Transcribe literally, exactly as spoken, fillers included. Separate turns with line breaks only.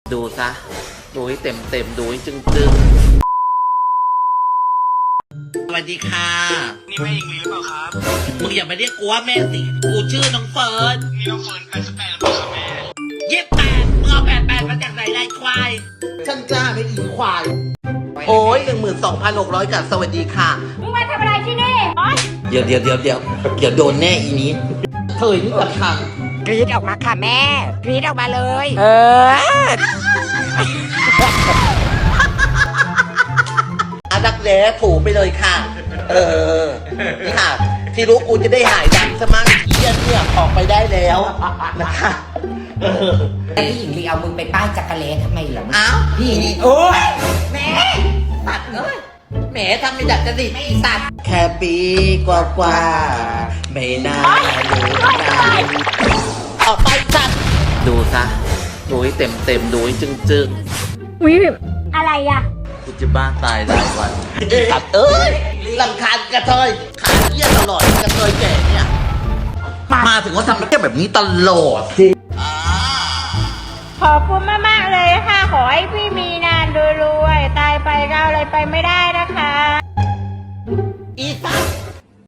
ดูซะดูให้เต็มเต็มดูให้จึงจึงสวัสดีค่ะ
นี่แม่ยิงลีหรือเปล่าครับ
มึงอย่ามาเรียกกูว่าแม่สิกูชื่อน้องเฟิร์น
นี่น้องเฟิร์นแปดสิบแปดหรือเปล่าครับแม่
ยี่สิบแปดมึงเอาแปดแปดมาจากไหนไรควายฉันจ้าไม่อีควายโอ้ยหนึ่งหมื่นสองพันหกร้อยกับสวัสดีค่ะ
มึงมาทำอะไรที่นี่
เดี๋ยวเดี๋ยวเดี๋ยวเดี๋ยวเดี๋ยวโดนแน่อีนี้เธอนี่สำคัญ
กรีดออกมาค่ะแม่กรีดออกมาเลยเออ
อาดักแร้ถูไปเลยค่ะเออนี่ค่ะที่รู้กูจะได้หายดังสมั่งเยี่ยนเนี่ยออกไปได้แล้วนะคะ
พี่หญิงลีเอามึงไปป้ายจักรเลทำไมเหรอ
อ้าว
พี่หญิงลีโอ้ยแม่
ตัดเลยแหมทำไม่ดัดจะดิไม่ตัดแค่ปีกว่ากว่าไม่น่าดูได้ออกไปจัดดูซะดูให้เต็มเต็มดูให้จึงจึง
วิอะไรอ่ะ
กูจะบ้าตายหลายวันตัดเอ้ยลำคาญกระเทยขาเยี่ยตลอดกระเทยแก่เนี่ยมาถึงเขาทำแล้วแบบนี้ตลอดสิ
ขอบคุณมากๆเลยค่ะขอให้พี่มีนานรวยๆตายไปก็อะไรไปไม่ได้นะคะ
อีสัตว์